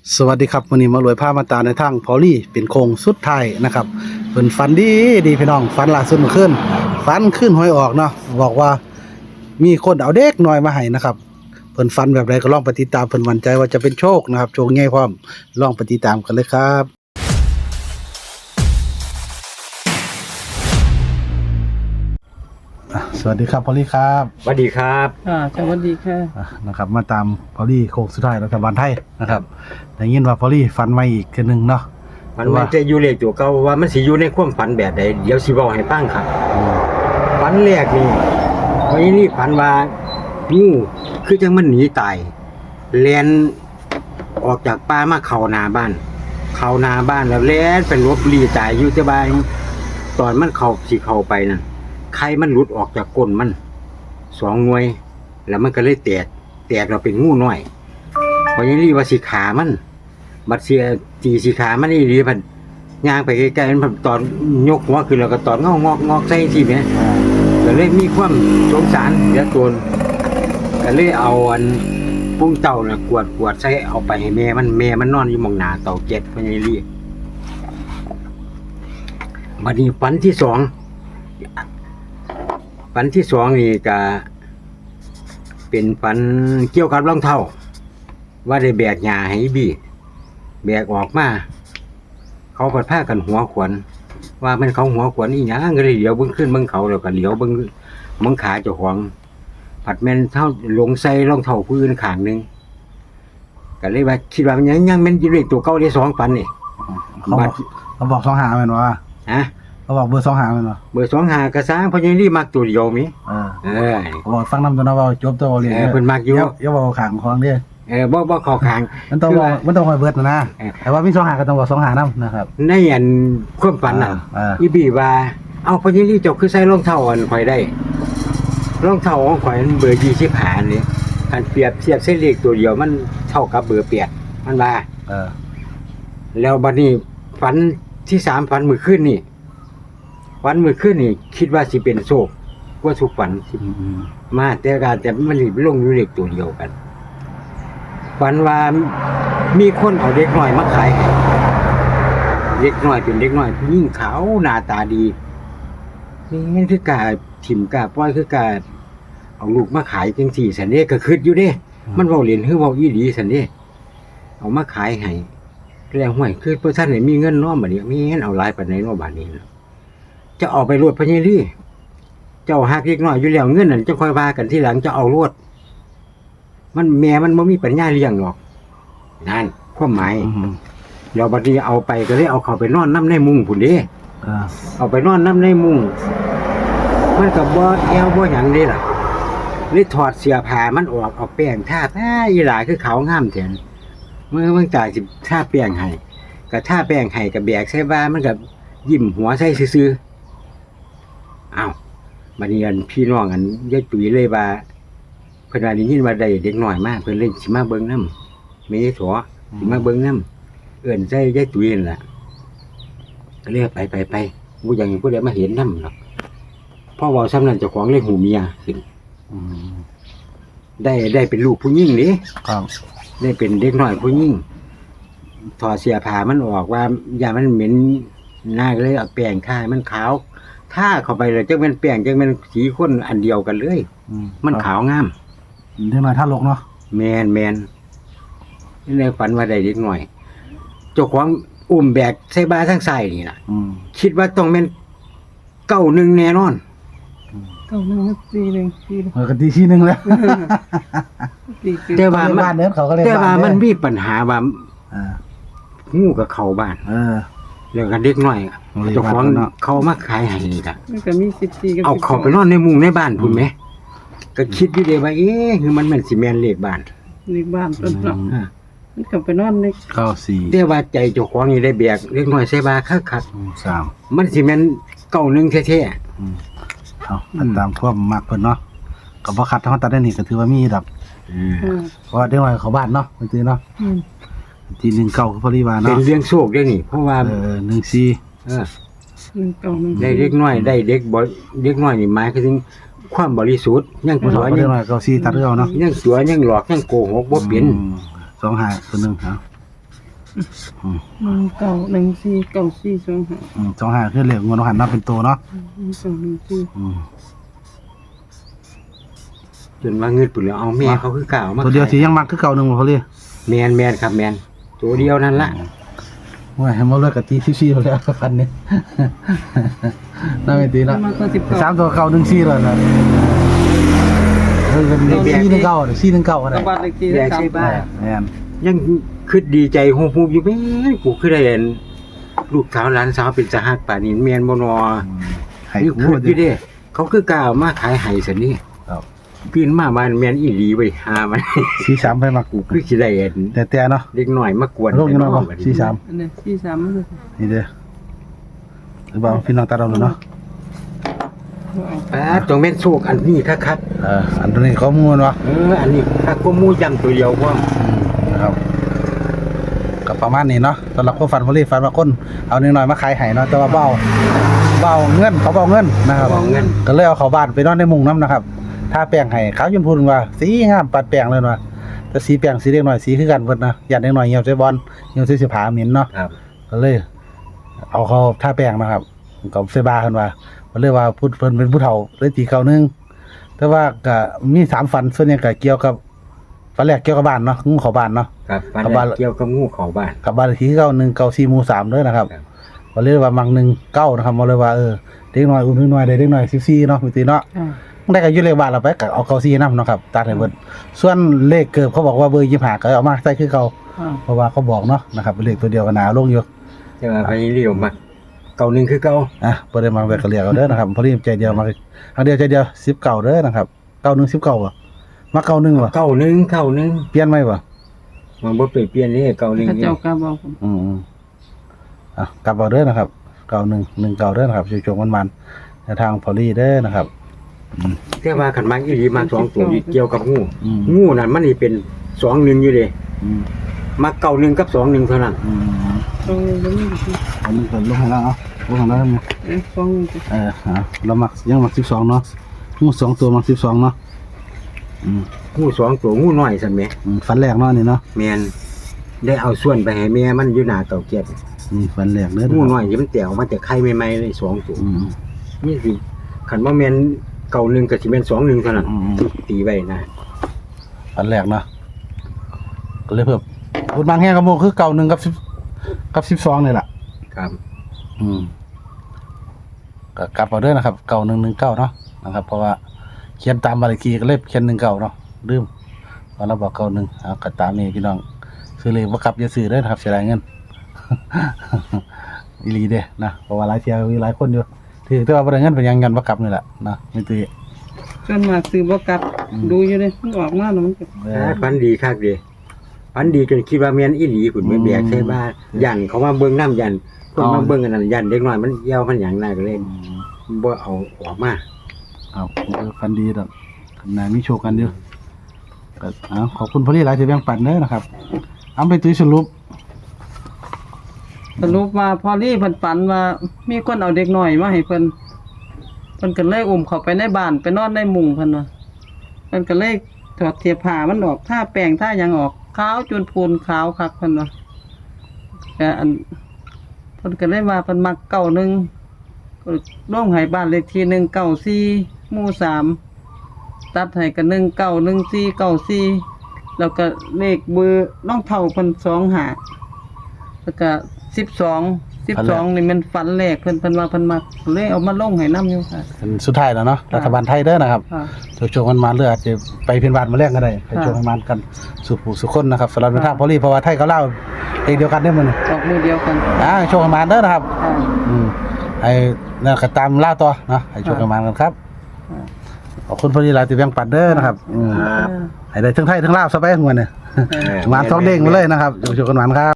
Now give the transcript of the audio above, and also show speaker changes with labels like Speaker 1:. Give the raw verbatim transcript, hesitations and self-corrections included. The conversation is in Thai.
Speaker 1: สวัสดีครับวันนี้มารวยผ้ามาตาในทางพอลี่เป็นโคงสุดท้ายนะครับเพิ่นฝันดีดีพี่น้องฝันล่าสุดเมื่อคืนฝันขึ้นหวยออกเนาะบอกว่ามีคนเอาเด็กน้อยมาให้นะครับเพิ่นฝันแบบใดก็ลองไปติดตามเพิ่นมั่นใจว่าจะเป็นโชคนะครับโชคใหญ่พร้อมลองไปติดตามกันเลยครับอ่ะสวัสดีครับพอลี่ครับ
Speaker 2: สวัสดีครับ
Speaker 3: อ่าสวัสดีค่ะ
Speaker 1: อ่ะนะครับมาตามพอลี่โคงสุดท้ายรัฐบาลไทยนะครับได้ยินว่าพอลี่ฝันใหม่อีกเทื่อนึงเนาะ
Speaker 2: มันมันจะอยู่เลขตัวเก่าว่ามันสิอยู่ในความฝันแบบใดเดี๋ยวสิบอกให้ฟังครับฝันแรกนี่วันนี้นี่ฝันว่างูคือจังมันหนีตายแล่นออกจากป่ามาเข้านาบ้าน เข้านาบ้านแล้วแล่นไปลบลีตายอยู่แต่บ้านตอนมันเข้าสิเข้าไปนั่นไข่มันหลุดออกจากก้นมันสองหน่วย แล้วมันก็เลยแตกแตกเราเป็นงูน้อยวันนี้นี่ว่าสิขามันบัดเสียจีสีขามันนี่ดีพันย่างไปใกล้ๆมันตอนยกหัวขึ้นแล้วก็ตอนงอกงอกงอกใส่ทีเนี้ยก็เลยมีความสงสารเดี๋ยวตัวก็เลยเอาอันปุ้งเต่าเนี่ยกวดกวดใส่เอาไปให้แม่มันแม่มันนอนอยู่มองหน้าเต่าเจ็ดพญาลีบัดนี้ฝันที่สองฝันที่สองนี่ก็เป็นฝันเกี่ยวกับรองเท้าว่าได้แบกหญ้าให้บี้แบกออกมาเขาก็พากันหัวขวนว่ามันเขาหัวขวนอีหยังก็เลยเหลียวเบิ่งขึ้นเบิ่งเขาแล้วก็เหลียวเบิ่งเบิ่งขาเจ้าของผัดแม่นเท่าลงใส่รองเท้าผู้อื่นข้างหนึงก็เลยว่าคิดว่ามันยังยังแม่นอยู่เลขตัวเก่าได้สองฝันนี่
Speaker 1: เขาบอกเขาบอกสองหาแม่นว่า
Speaker 2: ฮะ
Speaker 1: เขาบอกเบอร์สองหาแม่นว่า
Speaker 2: เบอร์สองหากระซ้างเพราะยังรีมักตัวเดียวมิ
Speaker 1: เออ
Speaker 2: เออ
Speaker 1: เขาบอกฟังนำตัวนะว่าจบตัวเรียน
Speaker 2: เออเพิ่นมักอยู่
Speaker 1: อย่าอย่าบอกขางของเด้อ
Speaker 2: เออบ่บ่เข้าข้าง
Speaker 1: มันต้องบอกมันต้องคอยเบิดนะนะ
Speaker 2: เออ
Speaker 1: แต่ว่ามีสองหาก็ต้องบอกสองหานำนะครับ
Speaker 2: ในอันความฝันน่ะ
Speaker 1: เออ
Speaker 2: อีบีว่าเอาเพราะยังรีเจ้าคือใส่รองเท้าอันข่อยได้รองเท้าของข่อยมันเบอร์ยี่สิบห้านี่คันเปรียบเทียบเส้นเลขตัวเดียวมันเท่ากับเบอร์แปดมันว่า
Speaker 1: เออ
Speaker 2: แล้วบัดนี้ฝันที่สามฝันมื้อคืนนี่ฝันมื้อคืนนี่คิดว่าสิเป็นโชคกว่าทุกฝันสิ
Speaker 1: อืม
Speaker 2: มาแต่การแต่มันสิลงอยู่เลขตัวเดียวกันฝันว่ามีคนเอาเด็กน้อยมาขายให้เด็กน้อยเป็นเด็กน้อยผู้หญิงขาวหน้าตาดีนี่คือกาถิ่มกาปล่อยคือกาเอาลูกมาขายจังสี่สันเด้ก็คิดอยู่เด้ มันเว้าเล่นคือเว้าอีหลีสันเด้เอามาขายให้แล้วห้วยคือเพิ่นท่านได้มีเงินเนาะบัดนี้มีเงินเอาหลายปานใดเนาะบัดนี้จะเอาไปรวดพญาลีเจ้าหักเล็กน้อยอยู่แล้วเงินนั่นจะค่อยว่ากันทีหลังจะเอารวดมันแม่มันบ่มีปัญญาเลี้ยงหรอกนั่นความหมาย
Speaker 1: อืม
Speaker 2: แล้วบัดนี้เอาไปก็เลยเอาเข้าไปนอนน้ำในมุ้งพุ่นเด้
Speaker 1: เออ
Speaker 2: เอาไปนอนน้ำในมุ้งมันก็บ่แอวบ่หยังเด้ล่ะเลยถอดเสื้อผ้ามันออกเอาแป้งทาแท้อีหลาคือขาวงามแท้เมื่อมันจ่ายสิทาแป้งให้ก็ทาแป้งให้ก็แบกใส่บ้านมันก็ยิ้มหัวใส่ซื่อๆอ้าวบัดนี้อันพี่น้องอันยายตุ๋ยเลยว่าเพิ่นว่าได้ยินว่าได้เด็กน้อยมาเพิ่นเลยสิมาเบิ่งนำแม่ยายถั่วสิมาเบิ่งนำเอิ้นใส่ยายตุ๋ยนั่นล่ะก็เลยไปไปไปบ่อยากให้ผู้ใดมาเห็นนำหรอกเพราะว่าซ้ำนั้นเจ้าของเลยหูเมียขึ้น
Speaker 1: อืม
Speaker 2: ได้ได้เป็นลูกผู้หญิงนี่
Speaker 1: ครับ
Speaker 2: ได้เป็นเด็กน้อยผู้หญิงถอดเสื้อผ้ามันออกว่าอย่ามันเหม็นหน้าก็เลยเอาแป้งทาให้มันขาวถ้าเข้าไปเลยจังเป็นแป้งจังเป็นสีข้นอันเดียวกันเลย
Speaker 1: อื
Speaker 2: มันขาวงาม
Speaker 1: เด็กน้อยท่าลกเนาะ
Speaker 2: แมนแมนนี่ในฝันว่าได้เด็กน้อยเจ้าของอุ้มแบกใส่บาทั้งใส่นี่ล่ะ
Speaker 1: อืม
Speaker 2: คิดว่าต้องเป็นเก้าหนึ่งแน่นอน
Speaker 3: เก้าหนึ่งสี่หนึ่งสี่หนึ่ง
Speaker 1: เออกันทีที่หนึงแล้ว
Speaker 3: สี่สี่
Speaker 2: แต่ว่ามัน
Speaker 1: บ้านเด้อเขาก็เรียก
Speaker 2: แต่ว่า
Speaker 1: บ้านเด้อ
Speaker 2: มันมีปัญหาว่า
Speaker 1: เออ
Speaker 2: งูกับเขาบ้าน
Speaker 1: เออ
Speaker 2: แล้วก็เด็กน้อย
Speaker 1: โอ้ย
Speaker 2: เจ้าของ
Speaker 1: บ้านเนาะ
Speaker 2: เขามาขายให้นี่ล่ะ
Speaker 3: มันก็มีสิบสี่กับ
Speaker 2: เอา
Speaker 3: สิบส
Speaker 2: เขา
Speaker 3: อง
Speaker 2: ไปนอนในมุ้งในบ้านพุ่นไหมก็คิดอยู่เดียวว่าเอ๊ะคือมันแม่นสิแม่นเลขบ้าน
Speaker 3: ในบ้านต้นเนาะ
Speaker 2: อ่า
Speaker 3: มันก็ไปนอนใน
Speaker 1: เก้าสี่
Speaker 2: แต่ว่าใจเจ้าของนี่ได้แบกเล็กน้อยใส่บาคักคัก
Speaker 1: อืมสาม
Speaker 2: ๆมันสิแม่นเก้าหนึ่งแท้
Speaker 1: อืมเอาอันตามความมักเพิ่นเนาะก็บ่คัดเฮาตัดได้นี่ก็ถือว่ามีดอก
Speaker 2: ๆอืม
Speaker 3: อ่า
Speaker 1: เพราะว่าเด็กน้อยเขาบ้านเนาะเพิ่นซื้อเนาะ
Speaker 3: อืม
Speaker 1: ทีหนึ่งเก้าคือพอดีว่า
Speaker 2: เป็
Speaker 1: เนาะ
Speaker 2: นเรื่องโชคด้วยนี่ เพราะว่า
Speaker 1: เออหนึ่งสี่
Speaker 2: เออ
Speaker 3: หนึ่งเก้าหนึ่ง
Speaker 2: ได้เล็กน้อยได้เด็กบ่เด็กน้อยนี่หมายถึงความบริสุทธิ์ยัง
Speaker 1: บ่
Speaker 2: ตัว
Speaker 1: เด็
Speaker 2: ยั
Speaker 1: ก
Speaker 2: ง
Speaker 1: น้อยเก้าสี่ตัดคือเอาเนาะ
Speaker 2: ยังตัวยังหลอกยังโกหกบ่เป็น
Speaker 1: อืมสองหาตัวหนึงครับอืม
Speaker 3: หนึ่งเก้าหนึ่งสี่เก้าสี่สองห้า
Speaker 1: อืมสองห้าคือเลขงวดหันนับเป็นตัวเนาะ
Speaker 3: หนึ่งสองหนึ่งสี่
Speaker 1: อืม
Speaker 2: จนว่าเงินปุ่นแล้วเอาแม่เขาคือกล่าวมา
Speaker 1: ตัวเดียวสิยังมักคือเก่าหนึงบ่พอลี่
Speaker 2: แมนแมนครับแมนตัวเดียวนั่นละ
Speaker 1: ว่าให้มาเลิกกับตีซี่ๆไปแล้วกันนี้ น่าไม่ตี
Speaker 3: แล้
Speaker 1: เนาะ
Speaker 3: วมาก็สิบเก้า
Speaker 1: สามตัวเก่าหนึ่งซี่แล้วนะเออเป็นซี่หนึ่งเก้าซี่หนึ่งเก้าก็ได้
Speaker 3: ตะบัดเลขที่
Speaker 2: แยก
Speaker 3: สาม
Speaker 2: ใช่บ้า
Speaker 1: แม่น
Speaker 2: ยังคิดดีใจฮู้ๆอยู่แม่นกูคือได้เห็นลูกสาวหลานสาวเป็นสหักป่านนี้แม่นบ่นอ
Speaker 1: ให้
Speaker 2: นี่
Speaker 1: กู
Speaker 2: คืออยู่เด้เขาคือกล่าวมาขายไห้ซั่นนี่
Speaker 1: ครับ
Speaker 2: ปีนมาบ้านแม่นอีหลีเว้ยหามัน
Speaker 1: ซี่สามไปมัก
Speaker 2: กูคือสิได้เห็น
Speaker 1: แต่แต่เนาะ
Speaker 2: เด็กน้อยมากวน
Speaker 1: โรคยังน้อยบ่ซี่สาม
Speaker 3: อันนี้สี่สามมันคือ
Speaker 1: นี่เด้อหรือเปล่าพี่น้องตาเราเนาะ
Speaker 2: ป้าตรงแม่นโชคอันนี้คัก
Speaker 1: เอออันนี้ข้อมูลวะ
Speaker 2: ๆเอออันนี้คักก็หมู่ยำตัวเดียวพร้อม
Speaker 1: อืมนะครับก็ประมาณนี้เนาะสำหรับคนฟันพลีฟันมาคนเอานิดหน่อยมาขายให้เนาะแต่ว่าเบาเบาเงินเขาเบาเงินนะครับ
Speaker 2: เอาเงิน
Speaker 1: ก็เลยเอาเขาบ้านไปนอนในมุงน้ำนะครับถ้าแป้งให้เขาจนพูดว่าสีงามปัดแป้งเลยว่าแต่สีแป้งสีเล็กหน่อยสีคือกันเพิ่นนะอยากเล็กหน่อยเหี่ยวใส่บอลเหี่ยวใส่เสื้อผ้าเหม็นเนาะ
Speaker 2: ครับ
Speaker 1: ก็เลย เอาเขาท่าแป้งนะครับกับเซบาเพิ่นว่ามันเลยว่าพูดเพิ่นเป็นผู้เฒ่าเลยตีเขาหนึงแต่ว่าก็มีสามฝันส่วนใหญ่ก็เกี่ยวกับฝันแรกเกี่ยวกับบ้านเนาะงูเข้าบ้านเนาะ
Speaker 2: ครับฟัน
Speaker 1: กับบ้าน
Speaker 2: เกี่ยวกับงูเข้าบ้าน
Speaker 1: กับบ้านเลขที่เก้าหนึ่งเก้าสี่หมู่สามเด้อนะครับ
Speaker 2: ครับ
Speaker 1: ก็เลยว่ามังหนึ่งเก้านะครับมาเลยว่าเออเด็กน้อยอุ่นน้อยได้เด็กน้อยสิบสี่เนาะมีตีเนาะ
Speaker 3: อ่า
Speaker 1: ได้ก็อยู่เลขบ้านเราไปก็เอาเก้าสี่นำเนาะครับตัดให้เบิดส่วนเลขเกิบเขาบอกว่าเบอร์ยี่สิบห้าก็เอามาใส่คือเขา
Speaker 3: อ่า
Speaker 1: เพราะว่าเขาบอกเนาะนะครับเป็นเลขตัวเดียวกันหนาลงอยู่
Speaker 2: แต่ว่าไปเรียวมาเก่าหนึงคือเก่า
Speaker 1: อ่ะบ่ได้มาแบบก็เรียกเอาเด้อนะครับพอดีใจเดียวมาครั้งเดียวใจเดียวสิบเก้าเด้อนะครับเก้าหนึ่งสิบเก้าบ่มาเก้าหนึ่งบ่
Speaker 2: เก่าหนึงเก่าหนึง
Speaker 1: เปลี่ยนไหมบ่
Speaker 2: มันบ่เปลี่ยนเปลี่ยนนี่เก่าหนึง
Speaker 3: พระ
Speaker 2: นี่
Speaker 3: เจ้ากาบอกผม
Speaker 1: อืมๆอ่ะกลับเอาเด้อนะครับเก้าหนึ่งหนึ่งเก้าเด้อนะครับช่วงๆมันๆในทางพอลีเด้อนะครับ
Speaker 2: แต่ว่าขันมักอีหลีมาสองตัวนี่เกี่ยวกับงู
Speaker 1: อืม
Speaker 2: งูนั่นมันนี่เป็นสองหนึ่งอยู่เด้
Speaker 1: อืม
Speaker 2: มาเก่าหนึ่งกับสองหนึ่งเท่านั้น
Speaker 1: อืม
Speaker 3: ตรงนี้ตรงนี้
Speaker 1: อันนี้ก็ลงให้แล้วเอาลงให้แล้วมั้ย
Speaker 3: เอ๊ะสองนี่สิ
Speaker 1: เออฮะเรามักยังมักสิบสองเนาะงูสองตัวมักสิบสองเนาะอืม
Speaker 2: งูสองตัวงูน้อยซั่นแหม
Speaker 1: อืมฟันแรกเนาะนี่เนาะ
Speaker 2: แม่นได้เอาส่วนไปให้แม่มันอยู่หน้าเต่าเกียรติ
Speaker 1: นี่ฟันแรกเด้อ
Speaker 2: งูน้อยที่มันแตกออกมาจากไข่ใหม่ๆเลยสองตัว
Speaker 1: อืม
Speaker 2: นี่สิขันว่าแม่นเก่าหนึ่งกับสิแม่นสองหนึ่งเท่านั้น
Speaker 1: อืม
Speaker 2: ตีไว้นะ
Speaker 1: ฟันแรกเนาะก็เลยเพิ่มพูดบางแห่งกับโมคือเก่าหนึ่งกับสิบกับสิบสองนี่แหละ
Speaker 2: ครับ
Speaker 1: อืมก็กลับเอาเด้อนะครับเก่าหนึ่งหนึ่งเก้าเนาะนะครับ เพราะว่าเขียนตามบาลีกีก็เลยเขียนหนึ่งเก้าเนาะลืมตอนเราบอกเก้าหนึ่งเอาก็ตามนี้พี่น้องซื้อเลยว่ากลับอย่าซื้อเด้อนะครับเสียดายเงิน อีหลีเด้นะเพราะว่าหลายเที่ยวมีหลายคนอยู่ถือแต่ว่าบ่ได้เงินเป็นหยังเงินบ่กลับนี่แหละนะไม่ตี
Speaker 3: ส่วนมากซื้อบ่กลับ
Speaker 1: อืม
Speaker 3: ดูอยู่เลยมันออกมาแล้วมันก็
Speaker 1: เอ
Speaker 2: อ่า
Speaker 1: อ
Speaker 2: ฝันดีคักเดีฝันดีจนคิดว่าแม่นอีหลีคุณไม่แบกใช่บ้านยันเขามาเบิ่งน้ำยันคนมาเบิ่งกันนั่นยันเด็กน้อยมันเหี่ยวมันหยังน่าก็เลยบ่เอาออกมา
Speaker 1: เอาเออฟันดีดอกนายมีโชคกันอยู่ก็เอาขอบคุณพอลี่หลายที่แบ่งปันเด้อนะครับเอาไปตุ้ยสรุป
Speaker 3: สรุปว่าพอลี่เพิ่นฝันว่ามีคนเอาเด็กน้อยมาให้เพิ่นเพิ่นก็เลยอุ้มเข้าไปในบ้านไปนอนในมุ้งเพิ่นว่าเพิ่นก็เลยถอดเสื้อผ้ามันออกท่าแป้งท่าหยังออกขาวจนพูนขาวคักเพิ่นว่าแต่อันเพิ่นก็เลยว่าเพิ่นมักเก้าหนึ่งก็ร่วมให้บ้านเลขที่หนึ่งเก้าสี่หมู่สามตัดให้กันหนึ่งเก้าหนึ่งสี่เก้าสี่แล้วก็เลขเบอร์น้องเท่าเพิ่นสองหาแล้วก็สิบสองสิบสองนี่มันฝันแรกเพิ่นเพิ่นว่าเพิ่นมักเลยเอามาลงให้น้ำอยู่ค่ะ
Speaker 1: เป็นสุดท้ายแล้วเนาะ
Speaker 3: ค่ะ
Speaker 1: รัฐบาลไทยเด้อนะครับ
Speaker 3: ค่ะ
Speaker 1: โชคๆมันมาเลืออาจจะไปเพียนบาทมาแลกก็ได้ไปโชคมันมากันสุขผู้สุขคนนะครับสำหรับในทางพอลี่เพราะว่าไทยเขาเล่าเองเดียวกันได้อมื้อนี้
Speaker 3: ออกมือเดียวกัน
Speaker 1: อ่าโชคมันมาเด้อนะครับ
Speaker 3: ค่ะ
Speaker 1: อืมไอ้นั่นก็ตามล่าต่อเนาะให้โชคมันมากันครับ
Speaker 3: ค่ะ
Speaker 1: ขอบคุณพอลี่หลายที่แบ่งปันเด้อนะครับอืม
Speaker 2: ครับ
Speaker 1: ให้ได้ทั้งไทยทั้งลาวซะไปหัวเนี่ย
Speaker 3: ค่ะ
Speaker 1: มาสองเด้งมาเลยนะครับโชคๆกันมาครับ